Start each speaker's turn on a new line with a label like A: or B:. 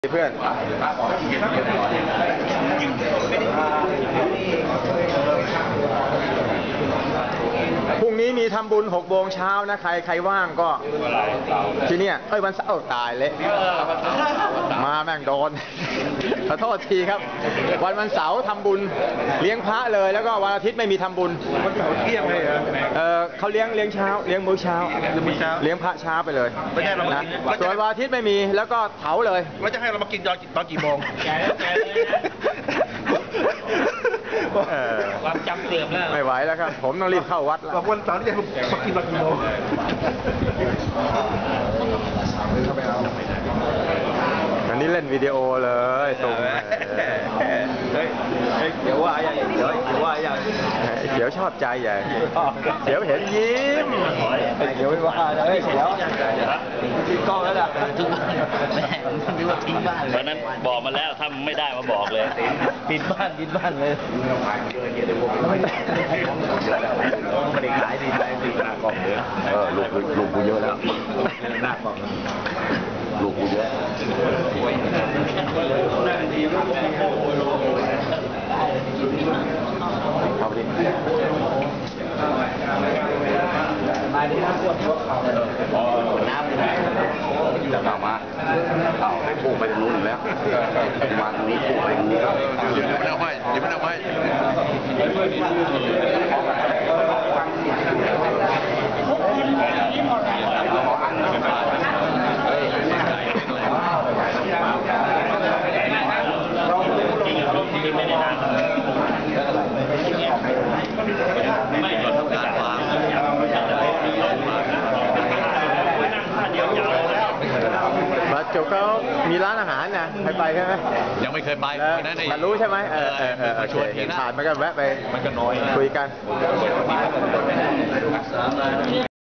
A: เพื่อนพรุ่งนี้มีทำบุญ6 โมงเช้านะใครว่างก็ที่เนี่ยวันเสาร์ตายเละมาแม่งโดนขอโทษทีครับวันเสาร์ทำบุญเลี้ยงพระเลยแล้วก็วันอาทิตย์ไม่มีทำบุญ
B: วันเสาร์เที่ยงเลย
A: เขาเลี้ยงเช้าเลี้ยงมื้อเช้าเลี้ยงพระเช้าไปเลยนะส่วนวันอาทิตย์ไม่มีแล้วก็เผาเลย
B: แล้วจะให้เรามากินตอนกี่โมง
C: ความจำเสื่อมแล้ว
A: ไม่ไหวแล้วครับผมต้องรีบเข้าวัดแล้ว
B: วันเสาร์ที่จะมากินตอนกี่โมง
A: อันนี้เล่นวิดีโอเลยส่ง
B: เดี๋ยวว่าอย่างเ
A: ดี๋ยวชอบใจใหญ่เดี๋ยวเห็นยิ้ม
B: เดี๋ยวไม่ว่าเดี๋ยวทิ้งกล้องแล้วล่ะ
C: ทิ้งบ้านแม่ไม่ว่าทิ้งบ้านเลยวันนั้นบอกมาแล้วถ้าไม่ได้มาบอกเลยปิดบ้านเลยไม่ได้ขายดีใจหน้ากล่องเยอะ
B: ลูกกูเยอะแล้วหน้ากล่องลูกกูเยอะ
A: เอาดิ
B: มาดิครับน้ำจะเข้ามาพุ่งไปทางนู้นแล้วมาทางนี้พุ่งไปทางนี้ยังไม่ได้
A: มาจุกเขามีร้านอาหารนะไปใช่ไหม
D: ยังไม่เคยไป
A: มารู้ใช่ไหมชวนเห็นผ่านมาก็แวะไปคุยกัน